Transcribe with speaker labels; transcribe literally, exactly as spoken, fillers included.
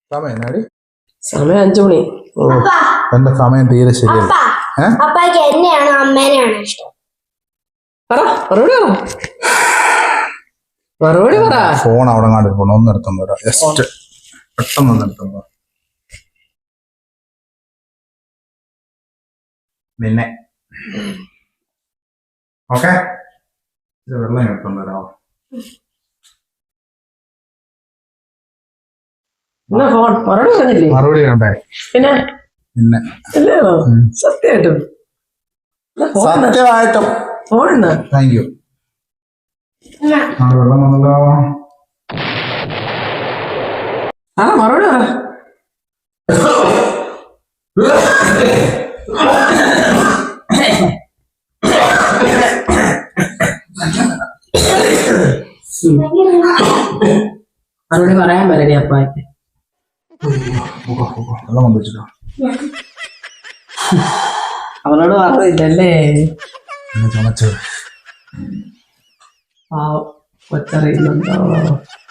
Speaker 1: സമയം എന്നാടി?
Speaker 2: സമയം അഞ്ചു മണി.
Speaker 1: ഓ എന്റെ സമയം തീരെ ശരിയല്ല.
Speaker 3: അപ്പാക്ക് എന്നെയാണോ അമ്മേനെയാണോ ഇഷ്ടം?
Speaker 2: പറ മറുപടി പറ മറുപടി പറ.
Speaker 1: ഫോൺ അവിടെ കണ്ടു പോണോ? ഒന്ന് എടുത്തോണ്ട് വരാം. ജസ്റ്റ് പെട്ടെന്ന് ഒന്ന് എടുത്തോണ്ട് വരാം. നിന്നെ ഓക്കെ വെള്ളം എടുത്തോണ്ട് വരാമോ?
Speaker 2: എന്നാ ഫോൺ മറുപടി പറഞ്ഞില്ലേ?
Speaker 1: മറുപടി വേണ്ടേ?
Speaker 2: പിന്നെ
Speaker 1: പിന്നെ
Speaker 2: അല്ലയോ സത്യമായിട്ടും
Speaker 1: സത്യമായിട്ടും
Speaker 2: ഫോൺ
Speaker 1: താങ്ക് യു. ആ വെള്ളം വന്നല്ലോ.
Speaker 2: ആ മറുപടി പറ. മറുപടി പറയാൻ പറ്റടി അപ്പാക്ക്.
Speaker 1: വെള്ളം കൊണ്ടുവച്ചിട്ടോ?
Speaker 2: അവളോട് പറഞ്ഞില്ലല്ലേ?
Speaker 1: ചുമച്ചത്
Speaker 2: പാവം കൊച്ചറിയുന്നുണ്ടോ?